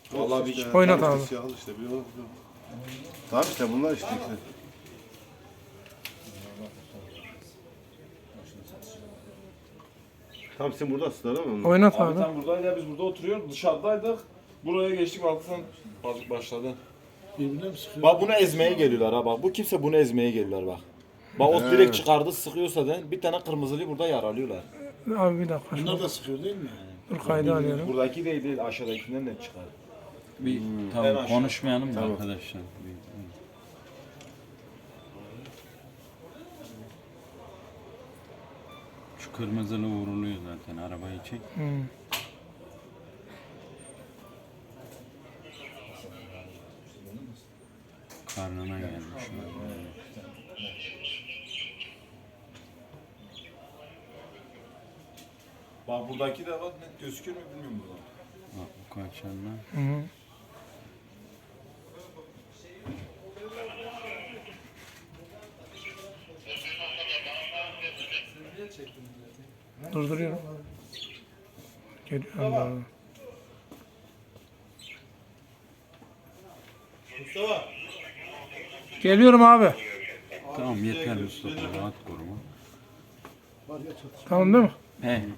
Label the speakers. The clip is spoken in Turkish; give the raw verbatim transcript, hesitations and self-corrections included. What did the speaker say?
Speaker 1: Vallahi bir
Speaker 2: İşte,
Speaker 3: Oynat
Speaker 2: tam
Speaker 3: abi.
Speaker 2: işte siyahlı işte. Bir o- Tamam işte bunlar işte. işte. Tam sen buradasın değil mi?
Speaker 3: Oynat
Speaker 1: Abi
Speaker 3: abi.
Speaker 1: tam buradaydı ya, biz burada oturuyoruz, dışarıdaydık. Buraya geçtik, baktık sen başladı.
Speaker 4: Birbirine mi sıkıyor?
Speaker 1: Bak bunu ezmeye geliyorlar ha bak. Bu kimse bunu ezmeye geliyorlar bak. Bak o
Speaker 2: He.
Speaker 1: direkt çıkardı, sıkıyorsa da bir tane kırmızılıyı burada yaralıyorlar.
Speaker 3: Abi bir dakika.
Speaker 4: Bunlar
Speaker 3: Şunu.
Speaker 4: da sıkıyor değil mi?
Speaker 3: Dur kaydı alıyorum.
Speaker 1: Buradaki değil değil, aşağıdakinden de çıkar.
Speaker 5: Bir
Speaker 1: En
Speaker 5: tamam
Speaker 1: aşağı.
Speaker 5: konuşmayalım da
Speaker 2: Tamam.
Speaker 5: arkadaşlar. Bir- Şu kırmızılı vuruluyor zaten, arabayı çek.
Speaker 3: Hmm.
Speaker 5: Karnına gelmiş.
Speaker 1: Bak buradaki de bak net gözükür mü bilmiyorum buradan.
Speaker 5: Bak bu kaçanlar.
Speaker 3: Hı hı. Durduruyorum. Geliyorum abi.
Speaker 1: Mustafa.
Speaker 3: Geliyorum abi.
Speaker 5: Tamam yeter Mustafa, rahat koruma.
Speaker 4: Var ya çatışma.
Speaker 3: Tamam değil mi?
Speaker 5: He